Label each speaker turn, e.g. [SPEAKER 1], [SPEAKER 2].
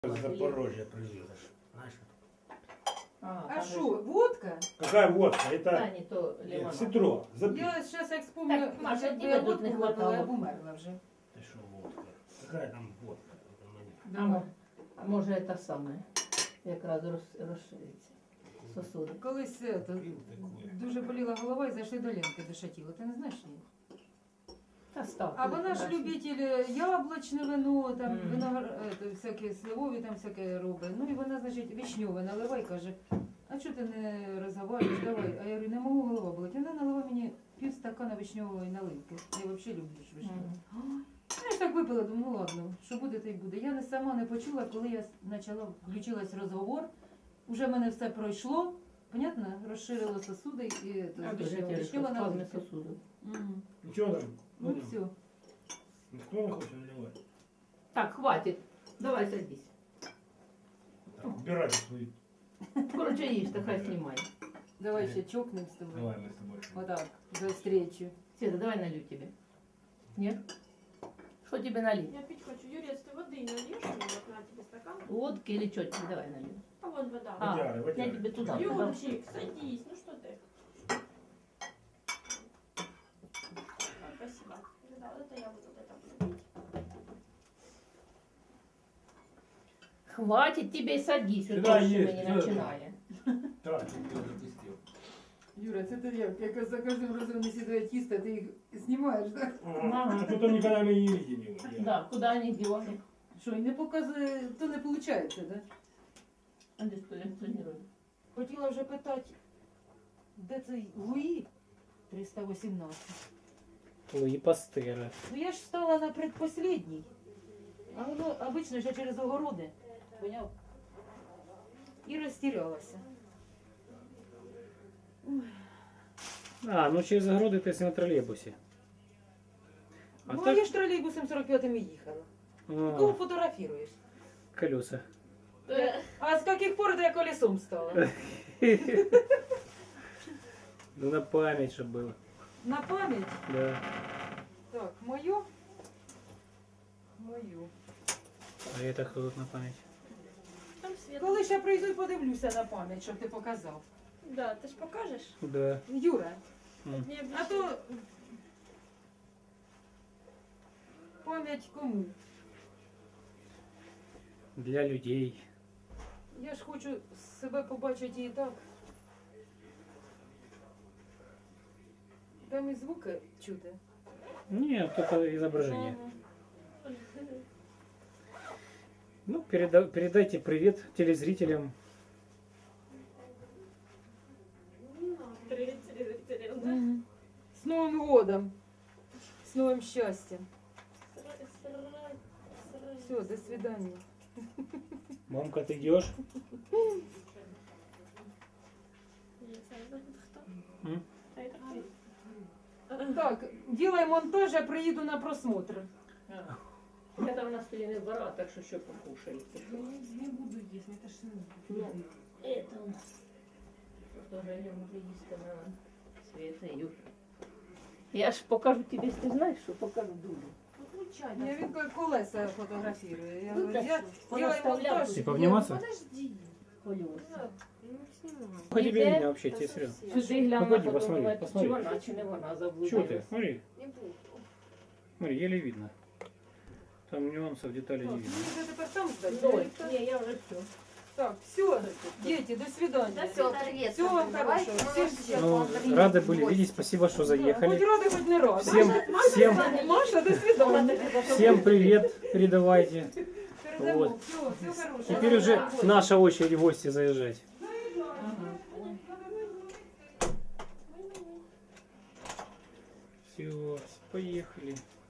[SPEAKER 1] Запорожье привезешь. Знаешь?
[SPEAKER 2] А что, водка?
[SPEAKER 1] Какая водка?
[SPEAKER 3] Та
[SPEAKER 1] Это
[SPEAKER 3] не то лимонад.
[SPEAKER 1] ситро. Запить.
[SPEAKER 2] Я сейчас як вспомню,
[SPEAKER 3] Так, Маша,
[SPEAKER 2] якби
[SPEAKER 3] тебе
[SPEAKER 2] я
[SPEAKER 3] тут
[SPEAKER 2] водку
[SPEAKER 3] не
[SPEAKER 2] випила,
[SPEAKER 3] хватало.
[SPEAKER 2] я б умерла вже.
[SPEAKER 1] Ты что, водка? Какая там водка? Это мне.
[SPEAKER 2] Давай.
[SPEAKER 3] А може це саме, якраз розшириться сосуди.
[SPEAKER 2] Колись
[SPEAKER 1] Пил такое.
[SPEAKER 2] дуже боліла голова і зайшли до Ленки до Шатіла. Ти не знаєш її?
[SPEAKER 3] Та став.
[SPEAKER 2] А вона ж любитель яблучне вино, там всяке сливові, там всяке робить. Ну і вона, значить, вишньове наливай, каже, а чого ти не розговорюєш, давай. А я говорю, не можу, голова болить. Вона налила мені пів стакана вишньової наливки. Я взагалі люблю вишньову. Я ж так випила, думаю, ну ладно, що буде, то й буде. Я не сама не почула, коли я включилась розговор, уже в мене все пройшло, понятно, розширило сосуди і вишньова наливка.
[SPEAKER 3] сосуди.
[SPEAKER 2] Мгм.
[SPEAKER 1] Ну что там?
[SPEAKER 2] Ну все.
[SPEAKER 1] Никто не хочет наливать.
[SPEAKER 3] Так, хватить. Давай садись.
[SPEAKER 1] Так, убирай свою.
[SPEAKER 3] Короче, їж, та хай знімає.
[SPEAKER 2] Давай ще чокнем з тобою.
[SPEAKER 1] Давай мы с тобой.
[SPEAKER 2] Вот так, за встречу.
[SPEAKER 3] Света, давай налью тебе. Нет? Что тебе налить?
[SPEAKER 4] Я пить хочу. Юрец, ты воды нальешь мне? Вот на тебе стакан.
[SPEAKER 3] Водки или что тебе? Давай налью.
[SPEAKER 4] А вот вода.
[SPEAKER 3] А,
[SPEAKER 1] Водяры,
[SPEAKER 3] я
[SPEAKER 1] водяры.
[SPEAKER 3] тебе туда.
[SPEAKER 4] Юрчик, садись. Ну что ты? Спасибо. Да, вот это я буду вот это буду пить.
[SPEAKER 3] Хватит тебе, садись.
[SPEAKER 1] Сюда
[SPEAKER 3] Уже
[SPEAKER 1] есть,
[SPEAKER 3] не
[SPEAKER 1] сюда.
[SPEAKER 3] начинає.
[SPEAKER 1] Так, ты запустил.
[SPEAKER 2] Юра, це ти як за кожним разом не сідає тісто, ти їх знімаєш, так?
[SPEAKER 1] А потом никогда мы не видим его.
[SPEAKER 3] Да, куда они делали?
[SPEAKER 2] Що, і не показує, то не виходить, так?
[SPEAKER 3] А де колекціонують?
[SPEAKER 2] Хотіла вже питати, де цей Луї 318?
[SPEAKER 5] Луї Пастера.
[SPEAKER 2] Ну я ж стала на предпоследній. А воно обично ще через огороди. Поняв? І розтірялася.
[SPEAKER 5] А, ну через огороди ти на тролейбусі. А
[SPEAKER 2] Ну, а
[SPEAKER 5] так
[SPEAKER 2] я ж тролейбусом 45-м і їхала. Кого
[SPEAKER 5] а,
[SPEAKER 2] фотографіруєш?
[SPEAKER 5] колеса.
[SPEAKER 2] А з яких пор я колесом стала?
[SPEAKER 5] Ну на пам'ять, щоб було.
[SPEAKER 2] На пам'ять?
[SPEAKER 5] Да.
[SPEAKER 2] Так, мою. Мою.
[SPEAKER 5] А это хто тут на пам'ять?
[SPEAKER 4] Там свет.
[SPEAKER 2] Коли ще прийду і подивлюся на пам'ять, щоб ти показав.
[SPEAKER 4] Да, ты ж покажешь?
[SPEAKER 5] Да.
[SPEAKER 2] Юра,
[SPEAKER 4] Не
[SPEAKER 2] а то пам'ять кому?
[SPEAKER 5] Для людей.
[SPEAKER 2] Я ж хочу себе побачити і так. Там і звуки чути.
[SPEAKER 5] Не, только изображение.
[SPEAKER 4] Ага.
[SPEAKER 5] Ну, передайте привет телезрителям.
[SPEAKER 4] Привет, да?
[SPEAKER 2] С Новым годом! С новым счастьем! Все, до свидания.
[SPEAKER 5] Мамка, ты идешь? М?
[SPEAKER 2] Так, делай монтаж, я приеду на просмотр.
[SPEAKER 3] Я там на столі не збирала, так що покушаєте.
[SPEAKER 2] Не буду есть, это ж
[SPEAKER 3] Ну, это у нас. Тоже я можу їсти на Света, Юр. Я ж покажу тобі, ти знаєш, що покажу дуже.
[SPEAKER 2] Я він колеса фотографірую. Я
[SPEAKER 3] Ну,
[SPEAKER 2] говорю,
[SPEAKER 3] так
[SPEAKER 2] я
[SPEAKER 3] що,
[SPEAKER 2] делай
[SPEAKER 3] понаставляв
[SPEAKER 2] монтаж.
[SPEAKER 3] тут.
[SPEAKER 5] Типа обниматься?
[SPEAKER 4] Подожди.
[SPEAKER 3] Колеса.
[SPEAKER 4] Ну, снимай.
[SPEAKER 5] По тебе
[SPEAKER 3] Иде?
[SPEAKER 5] видно вообще, тебе серьезно.
[SPEAKER 3] Сюди гляну,
[SPEAKER 5] Погоди,
[SPEAKER 3] потім
[SPEAKER 5] посмотри,
[SPEAKER 3] думаю,
[SPEAKER 5] посмотри.
[SPEAKER 3] чи вона, чи не вона
[SPEAKER 5] Чего ты?
[SPEAKER 3] заблудилась.
[SPEAKER 5] Смотри,
[SPEAKER 4] Не буду.
[SPEAKER 5] смотри, еле видно. Там нюансов, деталей не
[SPEAKER 2] Так,
[SPEAKER 5] видно.
[SPEAKER 2] мені вже тепер там ждать.
[SPEAKER 3] Дой, ні, я вже все.
[SPEAKER 2] Так, все, дети, до свидания. Всего вам хорошего. Всем
[SPEAKER 5] Ну, рады были видеть, спасибо, что
[SPEAKER 2] Хоть
[SPEAKER 5] заехали.
[SPEAKER 2] рады, хоть не рады.
[SPEAKER 5] Всем
[SPEAKER 2] Маша, до свидания.
[SPEAKER 5] всем привет передавайте.
[SPEAKER 2] Передамо.
[SPEAKER 5] Вот.
[SPEAKER 2] Все хорошего.
[SPEAKER 5] Теперь уже наша очередь в гости заезжать. Все, поехали.